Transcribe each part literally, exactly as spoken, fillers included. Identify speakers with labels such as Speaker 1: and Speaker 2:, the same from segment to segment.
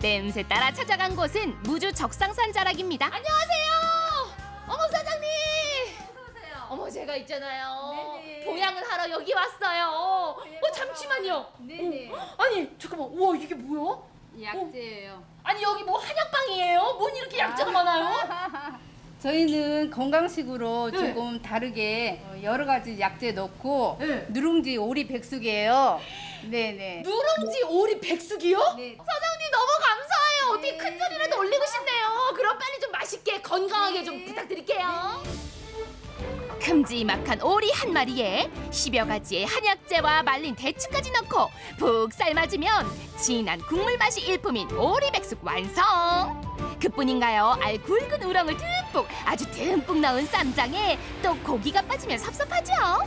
Speaker 1: 땜새 따라 찾아간 곳은 무주 적상산 자락입니다.
Speaker 2: 안녕하세요. 어머 사장님.
Speaker 3: 어서오세요.
Speaker 2: 어머 제가 있잖아요.
Speaker 3: 네네.
Speaker 2: 보양을 하러 여기 왔어요. 어 잠시만요.
Speaker 3: 네네.
Speaker 2: 어, 아니 잠깐만. 우와 이게 뭐야?
Speaker 3: 약재예요.
Speaker 2: 아니 여기 뭐 한약방이에요? 뭔 이렇게 약재가 많아요?
Speaker 3: 저희는 건강식으로
Speaker 2: 네.
Speaker 3: 조금 다르게 어, 여러 가지 약재 넣고
Speaker 2: 네.
Speaker 3: 누룽지 오리 백숙이에요. 네네.
Speaker 2: 누룽지 오리 백숙이요?
Speaker 3: 네.
Speaker 2: 사장님 너무 감사해요. 어떻게
Speaker 3: 네.
Speaker 2: 큰 소리라도 올리고 싶네요. 그럼 빨리 좀 맛있게 건강하게
Speaker 3: 네.
Speaker 2: 좀 부탁드릴게요.
Speaker 1: 큼지막한 오리 한 마리에 십여 가지의 한약재와 말린 대추까지 넣고 푹 삶아주면 진한 국물 맛이 일품인 오리백숙 완성! 그뿐인가요? 알 굵은 우렁을 듬뿍 아주 듬뿍 넣은 쌈장에 또 고기가 빠지면 섭섭하죠?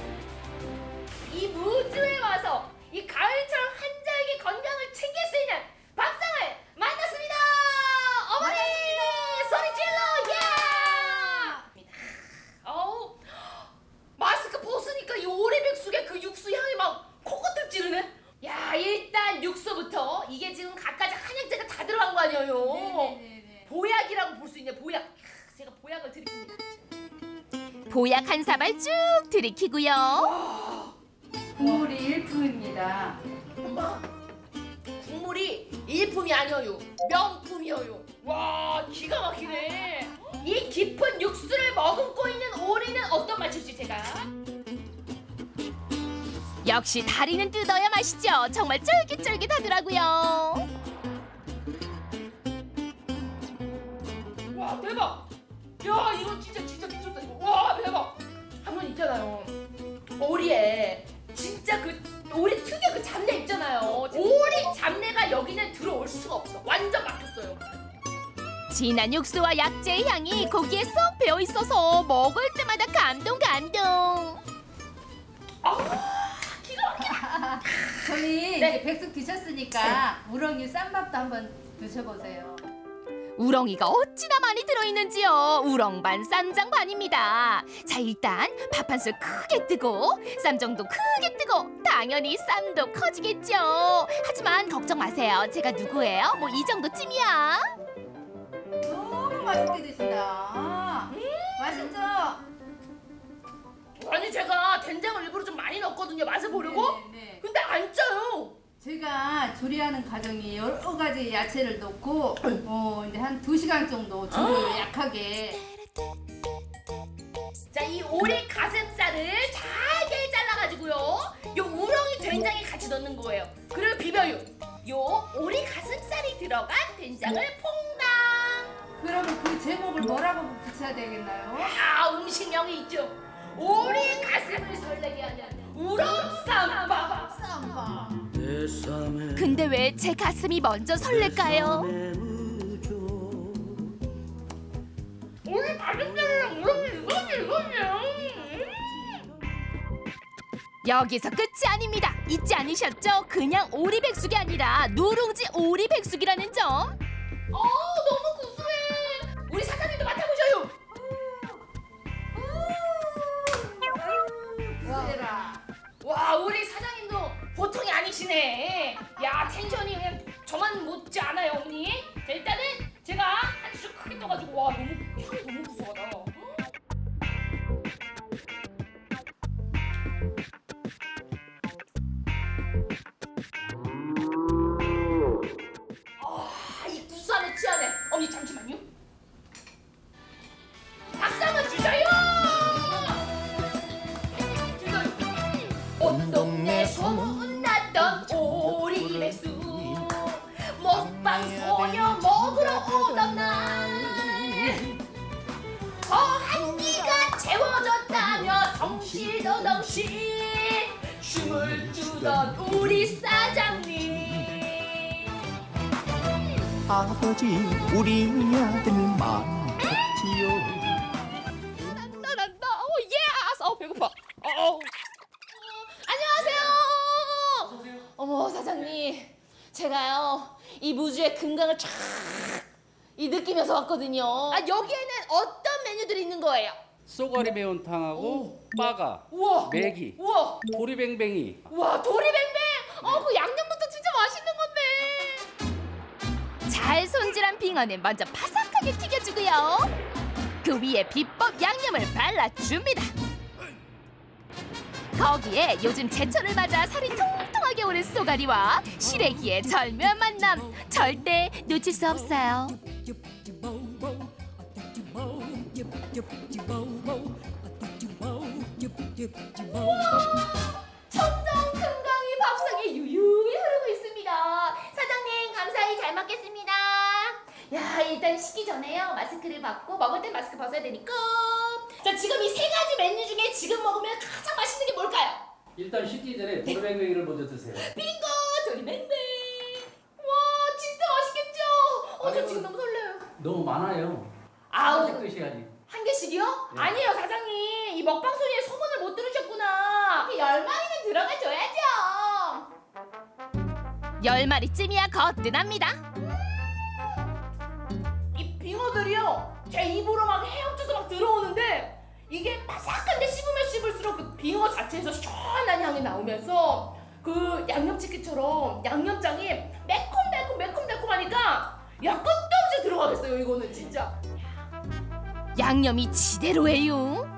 Speaker 2: 이 무주에 와서 이 가을처럼 한자에게 건강을 챙길 수 있는 밥상을 만났습니다. 어머니 소리 질러 예! 어우 마스크 벗으니까 이 오리백숙의 그 육수 향이 막 코끝을 찌르네. 야 일단 육수부터 이게 지금 갖가지 한약재가 다 들어간 거 아니에요.
Speaker 3: 네네네.
Speaker 2: 보약이라고 볼 수 있네. 보약. 캬, 제가 보약을 드립니다.
Speaker 1: 보약 한 사발 쭉 들이키고요.
Speaker 3: 국물이 일품입니다.
Speaker 2: 엄마 국물이 일품이 아니어요 명품이어요. 와 기가 막히네. 이 깊은 육수를 머금고 있는 오리는 어떤 맛일지 제가
Speaker 1: 역시 다리는 뜯어야 맛있죠. 정말 쫄깃쫄깃하더라고요.
Speaker 2: 와 대박. 야 이거 진짜 진짜 미쳤다 이거. 와 대박. 한번 있잖아요 오리에 진짜 그 오리 특유의 그 잡내 있잖아요. 오리 잡내가 여기는 들어올 수가 없어. 완전 막혔어요.
Speaker 1: 진한 육수와 약재의 향이 고기에 쏙 배어 있어서 먹을 때마다 감동 감동.
Speaker 2: 아 기가 막혀.
Speaker 3: 저희
Speaker 2: 네.
Speaker 3: 이제 백숙 드셨으니까 우렁이 쌈밥도 한번 드셔보세요.
Speaker 1: 우렁이가 어찌나 많이 들어있는지요. 우렁 반 쌈장 반입니다. 자 일단 밥 한 술 크게 뜨고 쌈장도 크게 뜨고 당연히 쌈도 커지겠죠. 하지만 걱정 마세요. 제가 누구예요? 뭐 이 정도쯤이야.
Speaker 3: 너무 맛있게 드신다. 맛있죠?
Speaker 2: 아니 제가 된장을 일부러 좀 많이 넣었거든요. 맛을 보려고.
Speaker 3: 네네.
Speaker 2: 근데 안 짜요.
Speaker 3: 제가 조리하는 과정이 여러 가지 야채를 넣고 어 이제 한 두 시간 정도 조리를 약하게.
Speaker 2: 자, 이 오리 가슴살을 잘게 잘라가지고요. 요 우렁이 된장에 같이 넣는 거예요. 그리고 비벼요. 요 오리 가슴살이 들어간 된장을 퐁당.
Speaker 3: 그러면 그 제목을 뭐라고 붙여야 되겠나요?
Speaker 2: 아, 음식명이 있죠. 오리 가슴을 설레게 하는 우렁쌈밥.
Speaker 3: 쌈밥.
Speaker 1: 근데 왜 제 가슴이 먼저 설렐까요?
Speaker 2: 오리 가슴살이랑 우렁이 이거지 이거지.
Speaker 1: 여기서 끝이 아닙니다. 잊지 않으셨죠? 그냥 오리백숙이 아니라 누룽지 오리백숙이라는 점.
Speaker 2: 어, 너무 구수해. 우리 사장님도 맡아보셔요.
Speaker 3: 구세라.
Speaker 2: 와 우리 사장님도 보통이 아니시네. 야 텐션이 그냥 저만 못지 않아요 언니. 자 일단은 제가 한 줄 크게 떠가지고 와 너무 향이 너무 구수하다. 아이 구수함에 취하네. 언니 잠시만요. 박수 한번 주셔요. 온 동네 소문났던 오리백숙 먹방 소녀 먹으러 오던 날 허한기가 채워졌다며 덩실더덩실 춤을 추던 우리 사장님.
Speaker 4: 아버지 우리 아들만 좋지요.
Speaker 2: 난다 난다. 오 예스. 어 배고파. 어. 안녕하세요. 어머 사장님, 제가요 이 무주의 금강을 쫙 이 느끼면서 왔거든요. 아 여기에는 어떤 메뉴들이 있는 거예요?
Speaker 5: 쏘가리 매운탕하고 빠가,
Speaker 2: 우와.
Speaker 5: 메기,
Speaker 2: 우와.
Speaker 5: 도리뱅뱅이.
Speaker 2: 와 도리뱅뱅. 어그 양념부터 진짜 맛있는 건데.
Speaker 1: 자 잘 손질한 빙어는 먼저 바삭하게 튀겨주고요. 그 위에 비법 양념을 발라줍니다. 거기에 요즘 제철을 맞아 살이 통통하게 오른 쏘가리와 시래기의 절묘한 만남, 절대 놓칠 수 없어요.
Speaker 2: 청정 금강이 밥상에 유유히 흐르고 있습니다. 사장님 감사히 잘 먹겠습니다. 야 일단 식기 전에요 마스크를 벗고 먹을 땐 마스크 벗어야 되니까. 자 지금 이 세 가지 메뉴 중에 지금 먹으면 가장 맛있는 게 뭘까요?
Speaker 5: 일단 식기 전에 도르뱅뱅이를 먼저 드세요.
Speaker 2: 빙고 도리뱅뱅. 와 진짜 맛있겠죠? 어 저 지금 너무 설레요.
Speaker 5: 너무 많아요.
Speaker 2: 아우
Speaker 5: 하나씩 드셔야지.
Speaker 2: 한 개씩이요?
Speaker 5: 네.
Speaker 2: 아니에요 사장님 이 먹방 소리에 소문을 못 들으셨구나. 열 마리는 들어가줘야죠.
Speaker 1: 열 마리쯤이야 거뜬합니다.
Speaker 2: 이 빙어들이요 제 입으로 막 헤엄쳐서 막 들어오는데 이게 바삭한데 씹으면 씹을수록 그 빙어 자체에서 시원한 향이 나오면서 그 양념치킨처럼 양념장이 매콤매콤 매콤매콤하니까 야 끝도 없이 들어가겠어요 이거는 진짜.
Speaker 1: 양념이 지대로예요.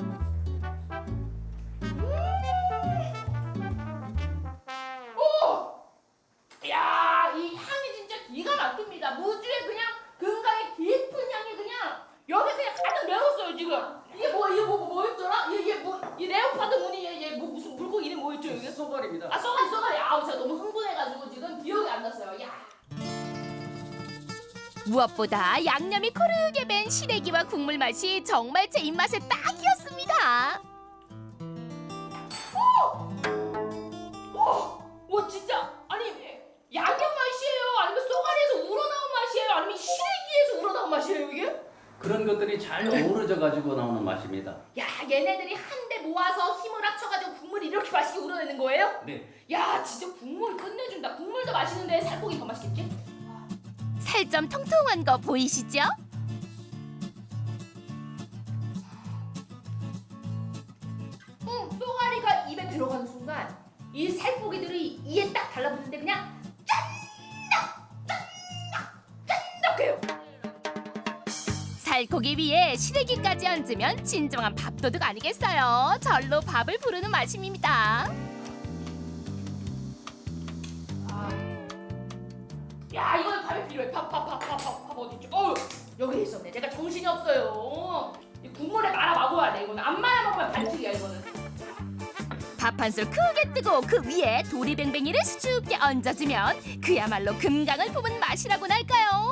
Speaker 2: 야, 이 향이 진짜 기가 막힙니다. 무주의 그냥 금강의 깊은 향이 그냥 여기 그냥 가득 메웠어요 지금. 이게 뭐 이게 뭐 뭐였더라? 이게, 이게 뭐이 레오파드 무늬 얘, 얘 뭐 무슨 물고기 이름 뭐였죠 이게?
Speaker 5: 소갈입니다.
Speaker 2: 아 쏘가리 쏘가리. 아우 제가 너무 흥분해가지고 지금 기억이 안 났어요. 야.
Speaker 1: 무엇보다 양념이 고르게 밴 시래기와 국물 맛이 정말 제 입맛에 딱이었습니다.
Speaker 2: 와, 와 진짜 아니 양념 맛이에요? 아니면 쏘가리에서 우러나온 맛이에요? 아니면 시래기에서 우러나온 맛이에요 이게?
Speaker 5: 그런 것들이 잘 어우러져 가지고 나오는 맛입니다.
Speaker 2: 야 얘네들이 한데 모아서 힘을 합쳐가지고 국물이 이렇게 맛있게 우러내는 거예요?
Speaker 5: 네.
Speaker 2: 야 진짜 국물 끝내준다. 국물도 맛있는데 살코기 더 맛있겠지?
Speaker 1: 살 좀 통통한 거 보이시죠?
Speaker 2: 응, 쏘가리가 입에 들어가는 순간 이 살코기들이 이에 딱 달라붙는데 그냥 짠다! 짠다! 짠덕해요.
Speaker 1: 살코기 위에 시래기까지 얹으면 진정한 밥도둑 아니겠어요? 절로 밥을 부르는 맛입니다.
Speaker 2: 야 이거 밥이 필요해. 밥 밥 밥 밥 밥 밥 어딨죠? 어우 여기 있었네. 제가 정신이 없어요. 이 국물에 말아 먹어야 돼 이거는. 안 말아 먹으면 반칙이야 이거는.
Speaker 1: 밥 한 술 크게 뜨고 그 위에 도리뱅뱅이를 수줍게 얹어주면 그야말로 금강을 품은 맛이라고나 할까요?